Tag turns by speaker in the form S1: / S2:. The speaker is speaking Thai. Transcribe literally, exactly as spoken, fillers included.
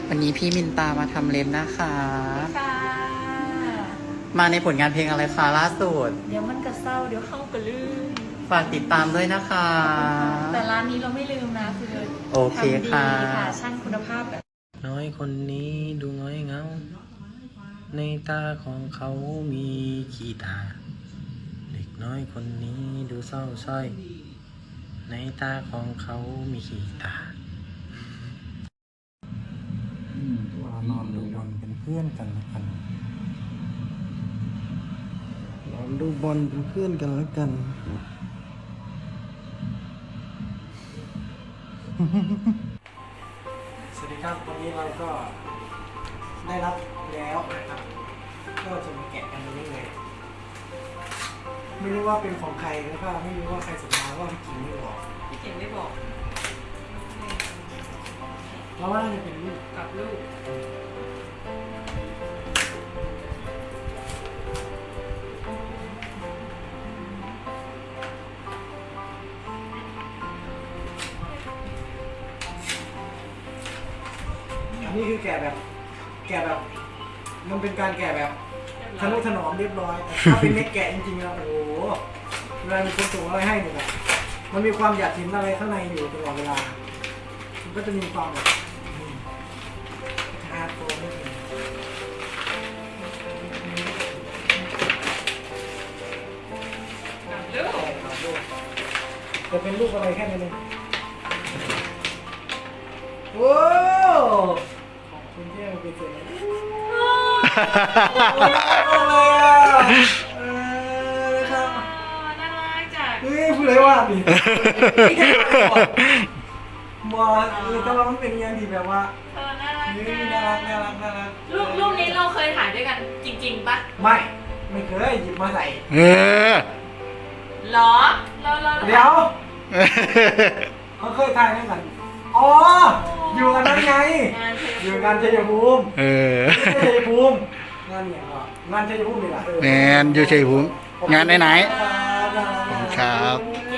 S1: วันนี้พี่มินตามาทำเล็บนะคะ
S2: ค่ะ
S1: มาในผลงานเพลงอะไรคะล่าสุด
S2: เดี๋ยวมันกระเศร้าเดี๋ยวเข้ากระลื่น
S1: ฝากติดตามด้วยนะคะ
S2: แต่ร้านนี้เราไม่ลืมนะคือ
S1: โอเคค่ะ
S2: ทำดีค่ะช่างคุณภาพแบบ
S3: น้อยคนนี้ดูน้อยเงา ในตาของเขามีขี้ตา เด็กน้อยคนนี้ดูเศร้าส้อย ในตาของเขามีขี้ตา
S4: มานอนดูบอลเป็นเพื่อนกันแล้วกันนอนดูบอลเป็นเพื่อนกันแล้วกัน สวัสดีครับวันนี้เราก็ได้รับแล้วนะครับ ก็จะมาแกะกันเรื่อยๆไม่รู้ว่าเป็นของใครแล้วก็ไม่รู้ว่าใครส่งมาว่าพี่กิ่งไม่บอก
S2: พี่เก่งไม่บอก
S4: เราว่าน่าจะเป็นลูก
S2: กับลูก
S4: อันนี้คือแกะแบบ แกะแบบ มันเป็นการแกะแบบทะนุถนอมเรียบร้อยแต่ถ้าเป็นเม็ดแกะจริงๆแล้วโอ้โหเวลามีคนส่งอะไรให้เนี่ยแบบมันมีความอยากเห็นอะไรข้างในอยู่ตลอดเวลา มันก็จะมีความแบบฮาร์ดโคอร์นิดนึง
S2: กับลูก
S4: ครับลูกจะเป็นลูกอะไรแค่นั้นเองโอ้ขอบคุณที่มาเป็นเสียงเลยอ่ะเออครับ
S2: น่ารักจัง
S4: เฮ้ยพูดเลยว่าดิบอสเออแต่ว่ามันเป็นอย่างที่แบบว่า
S2: เออน่ารัก
S4: เฮ้ย
S2: จัง
S4: น่ารักน่ารักน่ารัก
S2: รูปรูปนี้เราเคยถ่ายด้วยกันจริงๆปะ
S4: ไม่ไม่เคยหยิบมาใส่
S3: เออ
S2: หรอเราเรา
S4: เดี๋ยวเขาเคยถ่ายด้วยกันอ๋ออยู่กันนั่นไง
S2: งานเธ
S4: อยู่กันชัยภูมิ
S3: เออ
S4: ชัยภูมิงานเนี่ยก็งานชัยภูมินี่แหละ
S3: แมนอยู่ชัยภูมิงานไหนๆ
S4: ครับ
S3: ครับ